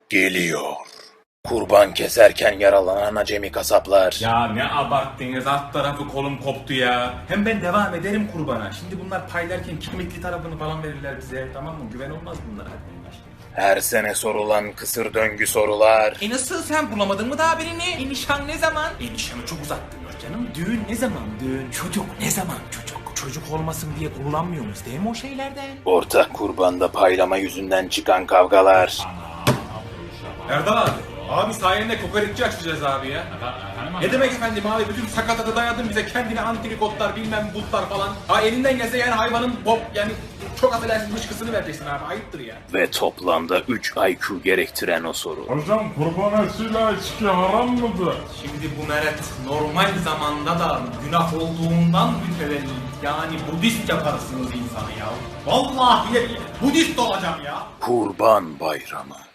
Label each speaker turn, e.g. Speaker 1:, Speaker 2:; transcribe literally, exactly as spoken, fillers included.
Speaker 1: Geliyor. Kurban keserken yaralanan acemi kasaplar.
Speaker 2: Ya ne abarttınız, alt tarafı kolum koptu ya. Hem ben devam ederim kurbana. Şimdi bunlar paylarken kemikli tarafını falan verirler bize, tamam mı? Güven olmaz bunlara.
Speaker 1: Her sene sorulan kısır döngü sorular.
Speaker 2: E nasıl, sen bulamadın mı daha birini? E nişan ne zaman? E nişanı çok uzattınız canım. Düğün ne zaman düğün? Çocuk ne zaman çocuk? Çocuk olmasın diye kullanmıyoruz değil mi o şeylerden?
Speaker 1: Ortak kurbanda paylama yüzünden çıkan kavgalar.
Speaker 2: Erdal abi. Abi sayende kokoreççi açacağız abi ya. Ne demek efendim abi, bütün sakatatı dayadın bize, kendine antrikotlar bilmem butlar falan. Ha elinden gelse yani hayvanın bop yani çok affedersin dışkısını vereceksin abi, ayıptır ya.
Speaker 1: Ve toplamda üç I Q gerektiren o soru.
Speaker 3: Hocam kurban etiyle içki haram mıdır?
Speaker 2: Şimdi bu meret normal zamanda da günah olduğundan mütevellit, yani Budist yaparsınız insanı ya. Vallahi ya, Budist olacağım ya.
Speaker 1: Kurban Bayramı.